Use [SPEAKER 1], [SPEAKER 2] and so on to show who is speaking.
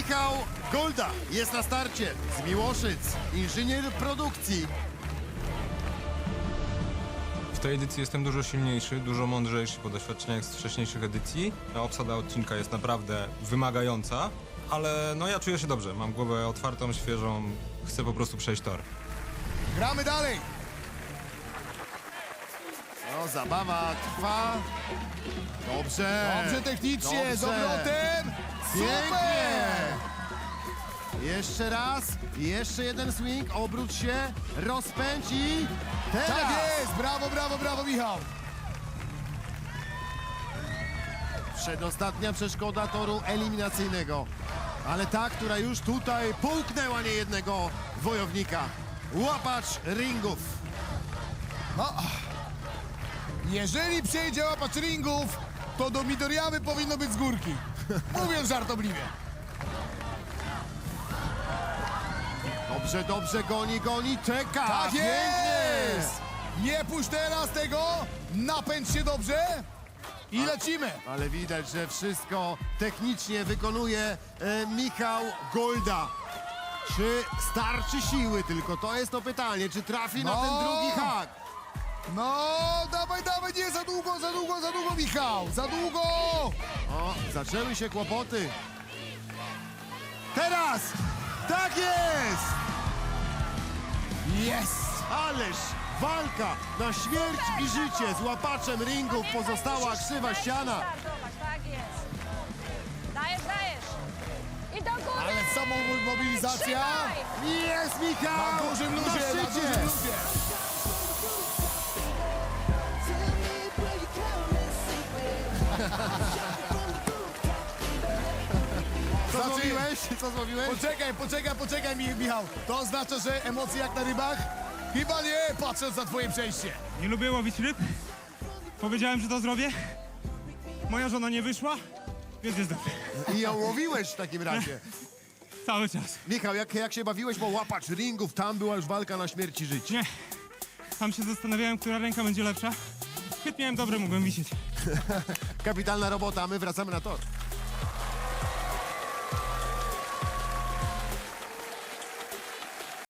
[SPEAKER 1] Michał Golda jest na starcie z Miłoszyc, inżynier produkcji.
[SPEAKER 2] W tej edycji jestem dużo silniejszy, dużo mądrzejszy po doświadczeniach z wcześniejszych edycji. Obsada odcinka jest naprawdę wymagająca, ale no ja czuję się dobrze. Mam głowę otwartą, świeżą, chcę po prostu przejść tor.
[SPEAKER 3] Gramy dalej!
[SPEAKER 1] No, zabawa trwa. Dobrze.
[SPEAKER 3] Dobrze technicznie,
[SPEAKER 1] Dobrze.
[SPEAKER 3] z obrotem!
[SPEAKER 1] Pięknie.
[SPEAKER 3] Super!
[SPEAKER 1] Jeszcze raz, jeszcze jeden swing, obróć się, rozpędź i teraz.
[SPEAKER 3] Tak jest! Brawo, brawo, brawo, Michał!
[SPEAKER 1] Przedostatnia przeszkoda toru eliminacyjnego. Ale ta, która już tutaj połknęła niejednego wojownika. Łapacz ringów.
[SPEAKER 3] No, jeżeli przejdzie łapacz ringów, to do Midoriyawy powinno być z górki. Mówiąc żartobliwie.
[SPEAKER 1] Dobrze, dobrze, goni, czeka.
[SPEAKER 3] Tak
[SPEAKER 1] Pięknie.
[SPEAKER 3] jest! Nie puść teraz tego, napędź się dobrze i lecimy.
[SPEAKER 1] Ale widać, że wszystko technicznie wykonuje Michał Golda. Czy starczy siły tylko? To jest to pytanie. Czy trafi na
[SPEAKER 3] No.
[SPEAKER 1] ten drugi hak?
[SPEAKER 3] No, dawaj, dawaj, nie za długo, za długo, za długo, Michał, za długo!
[SPEAKER 1] O, zaczęły się kłopoty. Teraz! Tak jest!
[SPEAKER 3] Jest!
[SPEAKER 1] Ależ walka na śmierć i życie z łapaczem ringów. Pozostała krzywa ściana.
[SPEAKER 4] Tak jest. Dajesz, dajesz. I do góry.
[SPEAKER 3] Ale samomobilizacja
[SPEAKER 4] Trzymaj.
[SPEAKER 1] Jest Michał!
[SPEAKER 3] na dużym luzie,
[SPEAKER 1] na
[SPEAKER 3] na
[SPEAKER 1] szczycie!
[SPEAKER 3] dużym luzie.
[SPEAKER 1] Co zrobiłeś? Co zrobiłeś?
[SPEAKER 3] Poczekaj, Michał. To oznacza, że emocje jak na rybach? Chyba nie, patrząc na twoje przejście.
[SPEAKER 5] Nie lubię łowić ryb. Powiedziałem, że to zrobię. Moja żona nie wyszła, więc jest dobrze.
[SPEAKER 1] I ją łowiłeś w takim razie.
[SPEAKER 5] Cały czas.
[SPEAKER 1] Michał, jak się bawiłeś, bo łapacz ringów, tam była już walka na śmierć i życie.
[SPEAKER 5] Nie. Sam się zastanawiałem, która ręka będzie lepsza. Chyt miałem dobre, mogłem wisieć.
[SPEAKER 1] Kapitalna robota, a my wracamy na tor.